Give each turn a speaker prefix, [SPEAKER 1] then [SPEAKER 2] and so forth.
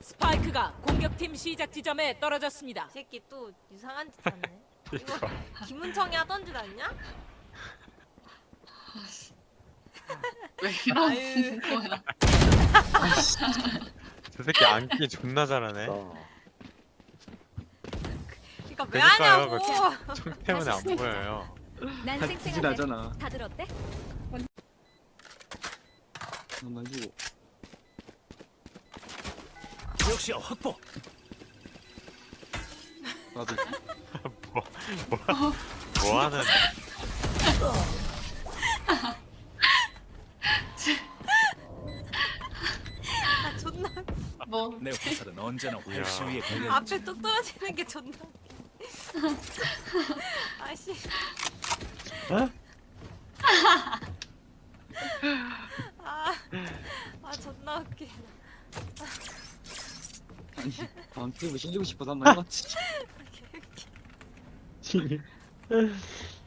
[SPEAKER 1] 스파이크가 공격팀 시작 지점에 떨어졌습니다.
[SPEAKER 2] 이 새끼 또 이상한 짓 하네. 이거 김은청이 하던 짓 아니냐?
[SPEAKER 3] 왜 이러는
[SPEAKER 2] 아유.
[SPEAKER 3] 거야?
[SPEAKER 4] 저 새끼 안기 존나 잘하네.
[SPEAKER 2] 그러니까 왜
[SPEAKER 4] 그러니까요,
[SPEAKER 2] 하냐고.
[SPEAKER 4] 총 때문에 안 보여요.
[SPEAKER 5] 난
[SPEAKER 6] 같이
[SPEAKER 5] 쌩쌩한데
[SPEAKER 6] 나잖아.
[SPEAKER 5] 다들 어때?
[SPEAKER 6] 한번 해주고.
[SPEAKER 7] 역시야 확보.
[SPEAKER 6] 나도
[SPEAKER 4] 뭐 하는?
[SPEAKER 2] 아 존나
[SPEAKER 3] 뭐
[SPEAKER 7] 내 화살은 언제나 활시 위에 걸려.
[SPEAKER 2] 앞에 뚝 떨어지는 게 존나. 아씨. 아 존나 웃기.
[SPEAKER 6] 아니 다음 게임을 실리고 싶어서 한번 해봤지.